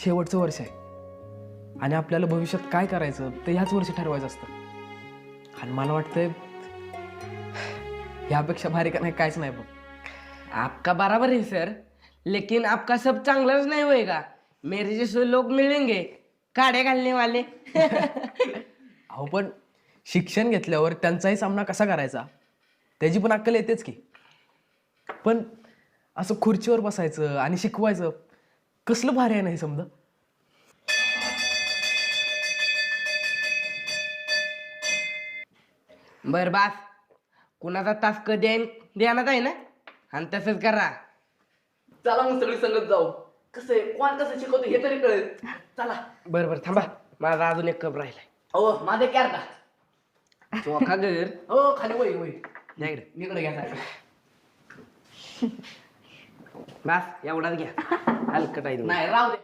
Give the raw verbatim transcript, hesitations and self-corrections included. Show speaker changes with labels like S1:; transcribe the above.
S1: शेवटचं वर्ष आहे आणि आपल्याला भविष्यात काय करायचं ते ह्याच वर्षी ठरवायचं असतं. आणि मला वाटतंय ह्यापेक्षा भारी का नाही काहीच नाही बघ.
S2: आपका बराबर है सर, लेकिन आपका सब चांगलाच नहीं होएगा. मेरे जैसे लोग मिलेंगे काड़े घालने वाले.
S1: अहो पण शिक्षण घेतल्यावर त्यांचाही सामना कसा करायचा त्याची पण अक्कल येतेच की. पण असं खुर्चीवर बसायचं आणि शिकवायचं कसलं भारी आहे नाही समजा.
S2: बर बास, कुणाचा तास कधी आहे ध्यानात आहे ना, आणि तसंच करा.
S3: चला मग सगळी संगत जाऊ. कसं आहे कोण कसं शिकवतो हे तरी कळेल. चला.
S2: बरं बरं थांबा, माझा अजून एक कप राहिलाय.
S3: हो माझे क्या का
S2: चोखा घर
S3: हो खाली वय वय
S2: या इकडे.
S3: इकडे घ्या साहेब.
S2: बास एवढाच घ्या, हलकट आहे तुम्ही.
S3: नाही राहू दे.